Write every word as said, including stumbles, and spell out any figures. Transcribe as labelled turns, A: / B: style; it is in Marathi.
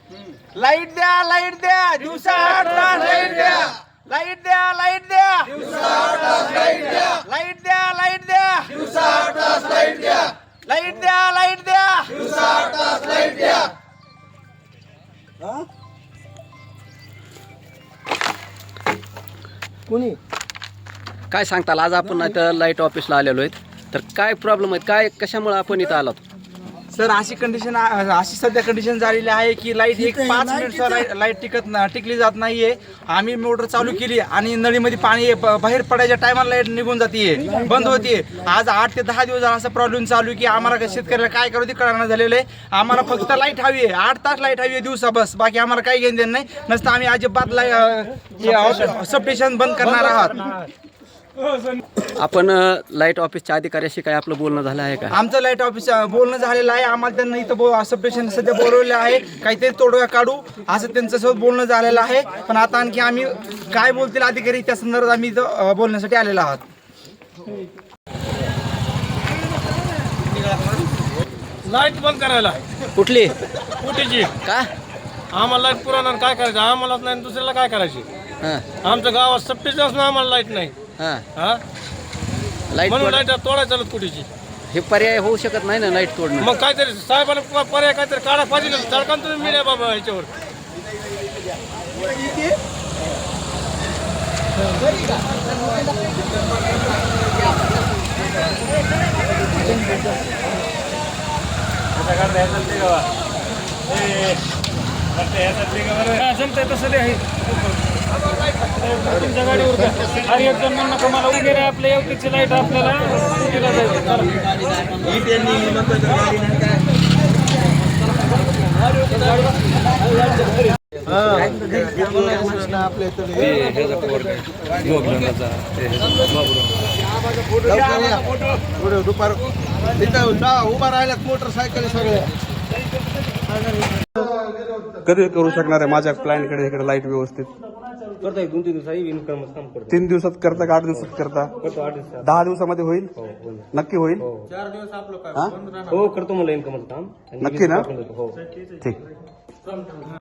A: लाईट द्या लाईट द्या दिवसा आठ तास लाईट द्या लाईट द्या लाईट द्या दिवसा आठ तास लाईट द्या लाईट द्या लाईट द्या दिवसा आठ तास लाईट द्या लाईट द्या लाईट द्या दिवसा आठ तास लाईट द्या.
B: कोणी
C: काय सांगताल आज आपण इथं लाईट ऑफिसला आलेलो आहेत तर काय प्रॉब्लेम आहेत काय कशामुळे आपण इथं आलो?
A: सर अशी कंडिशन अशी सध्या कंडिशन झालेली आहे की लाईट एक पाच मिनिट लाईट टिकत ना टिकली जात नाहीये. आम्ही मोटर चालू केली आणि नळीमध्ये पाणी बाहेर पडायच्या टायमाला लाईट निघून जाते बंद होते. आज आठ ते दहा दिवस असा प्रॉब्लेम चालू की आम्हाला शेतकऱ्याला काय करू ते कळणार झालेलं आहे. आम्हाला फक्त लाईट हवी आहे, आठ तास लाईट हवी आहे दिवसा बस, बाकी आम्हाला काही घेणं देणं नाही. नसतं आम्ही अजिबात लाईट सबस्टेशन बंद करणार आहात.
C: आपण लाईट ऑफिसच्या अधिकाऱ्याशी काय आपलं बोलणं झालं आहे का?
A: आमचं लाईट ऑफिस बोलणं झालेलं आहे. आम्हाला त्यांना इथं सबस्टेशन सध्या बोलवलेलं आहे, काहीतरी तोडगा काढू असं त्यांच्यासोबत बोलणं झालेलं आहे. पण आता आणखी आम्ही काय बोलतील अधिकारी त्या संदर्भात आम्ही इथं बोलण्यासाठी आलेलो आहात.
D: लाईट बंद करायला
C: कुठली
D: कुठेची
C: का?
D: आम्हाला लाईट पुरवणार काय करायचं? आम्हालाच नाही दुसऱ्याला काय करायची?
C: हां
D: आमच्या गावात सप्टेशन असून आम्हाला लाईट नाही.
C: हां
D: हा
C: लाईट
D: म्हणून
C: तोड-
D: लाईट तोडायचं चालत कुठेची.
C: हे पर्याय होऊ शकत नाही ना लाईट तोडणं.
D: मग काहीतरी साहेबांना पर्याय काहीतरी काढा पाहिजे ना. सरकार तुम्ही मिळा बाबा ह्याच्यावर. जमतंय तसं ते आहे तुमच्या गाडीवर आणि एक जण म्हणणं का मला वगैरे आपल्या एवढीची लाईट आपल्याला स्कूटीला जायचं.
B: दुपार उभा राहिल्यात मोटरसायकल सगळ्या
E: कधी करू शकणार आहे माझ्या क्लायंटकडे इकडे लाईट व्यवस्थित?
D: करता दोन तीन दिवस इन्कम काम करतो.
E: तीन दिवसात करता का आठ दिवसात करता?
D: करतो आठ दिवसात.
E: दहा दिवसामध्ये होईल? नक्की होईल? हा?
D: हो करतो मला इन्कमचं काम.
E: नक्की ना?
D: हो
E: ठीक.